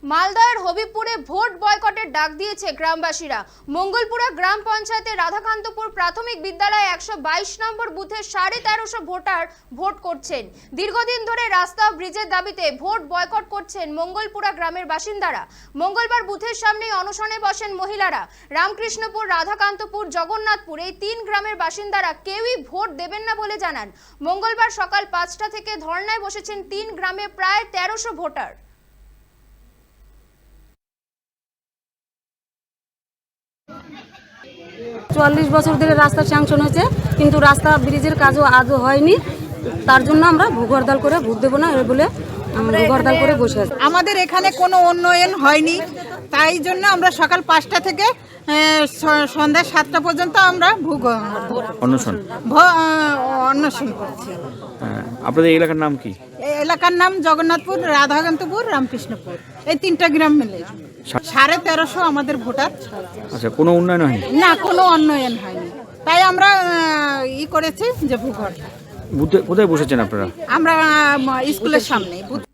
মালদহের হবিবপুরে ভোট বয়কটের ডাক দিয়েছে গ্রামবাসীরা। মঙ্গলপুরা গ্রাম পঞ্চায়েতের রাধাকান্তপুর প্রাথমিক বিদ্যালয়ে 122 নম্বর বুথে 1350 ভোটার ভোট করছেন। দীর্ঘদিন ধরে রাস্তা ও ব্রিজের দাবিতে ভোট বয়কট করছেন মঙ্গলপুরা গ্রামের বাসিন্দারা। মঙ্গলবার বুথের সামনেই অনশনে বসেন মহিলারা। রামকৃষ্ণপুর, রাধাকান্তপুর, জগন্নাথপুর এই 3 গ্রামের বাসিন্দারা কেউই ভোট দেবেন না বলে জানান। মঙ্গলবার সকাল 5টা থেকে ধর্নায় বসেছেন 3 গ্রামে প্রায় 1300 ভোটার। ৪৪ বছর ধরে রাস্তা স্যাংশন হয়েছে, কিন্তু রাস্তা ব্রিজের কাজও আজও হয়নি। তার জন্য আমরা ভূগর্দাল করে ভোট দেবো না বলে ভূগর্দাল করে বসে আছি। আমাদের এখানে কোনো উন্নয়ন হয়নি, তাই জন্য আমরা সকাল 5টা থেকে সন্ধ্যা 7টা পর্যন্ত আমরা অন্বেষণ করছি। আপনাদের এলাকার নাম কি? এই এলাকার নাম জগন্নাথপুর, রাধাকান্তপুর, রামকৃষ্ণপুর, এই 3টা গ্রাম মিলে 1350 আমাদের ভোটার। আচ্ছা, কোনো উন্নয়ন হয়নি? না, কোনো উন্নয়ন হয়নি, তাই আমরা করেছি যে ভূগর্ভ। কোথায় বসেছেন আপনারা? আমরা স্কুলের সামনে।